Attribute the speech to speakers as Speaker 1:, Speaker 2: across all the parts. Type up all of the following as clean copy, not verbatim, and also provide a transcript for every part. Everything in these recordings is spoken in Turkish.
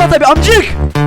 Speaker 1: Kalla tabi amcık.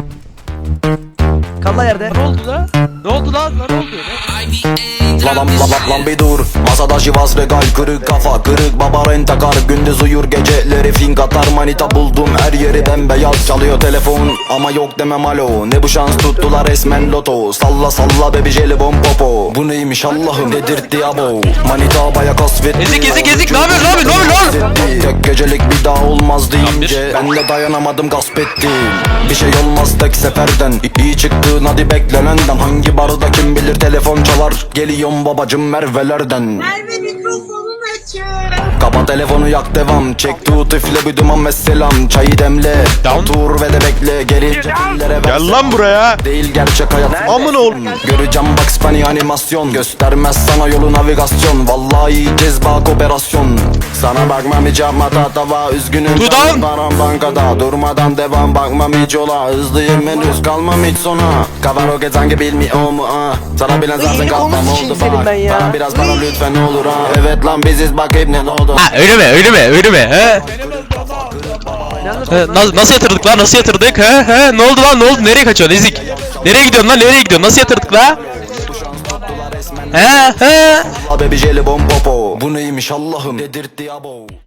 Speaker 1: Kalla yerde.
Speaker 2: Ne oldu lan? Ne oldu lan? Ne oldu?
Speaker 3: Lan bir dur. Masada şivas regal kırık kafa kırık baba rentakar. Gündüz uyur geceleri fink atar. Manita buldum her yeri bembeyaz. Çalıyor telefon ama yok demem alo. Ne bu şans tuttular resmen loto. Salla salla baby jelibon popo. Bu neymiş Allah'ım dedirtti abo. Manita baya kasvetti.
Speaker 2: Ezik ne yapıyorsun lan?
Speaker 3: Tek gecelik bir daha olmaz deyince ben de dayanamadım gasp ettim. Bir şey olmaz tek seferden. İyi çıktın hadi beklenenden. Hangi barda kim bilir telefon çalar. Geliyorum babacım Merve'lerden.
Speaker 4: Merve mikrofonun açık.
Speaker 3: Kapa telefonu yak devam. Çek tut üfle bir duman ve selam. Çayı demle otur ve de bekle. Geri cekillere
Speaker 5: Gel lan buraya.
Speaker 3: değil gerçek hayat.
Speaker 5: Amına oğlum.
Speaker 3: Göreceğim Bugs Bunny animasyon. Göstermez sana yolu navigasyon. Vallahi cezbak operasyon. Sana bakmam hiç yapma tatava. Üzgünüm
Speaker 2: Dudan.
Speaker 3: param bankada. Durmadan devam bakmam hiç yola. Hızlıyım henüz kalmam hiç sona. Kafa roket sanki bilmiyor mu ha. Sana bilen zaten kalmam oldu bak. Bana biraz para lütfen olur ha. Evet lan biziz bak hep ne oldu.
Speaker 2: Ha öyle mi? He? Nasıl yatırdık lan? Nasıl yatırdık? He? Ne oldu lan? Ne oldu? Nereye kaçıyorsun ezik? Nereye gidiyorsun lan? Nereye gidiyorsun? Nasıl yatırdık lan? He?
Speaker 3: Baby jelibon popo. Bu neymiş Allah'ım dedirtti abo.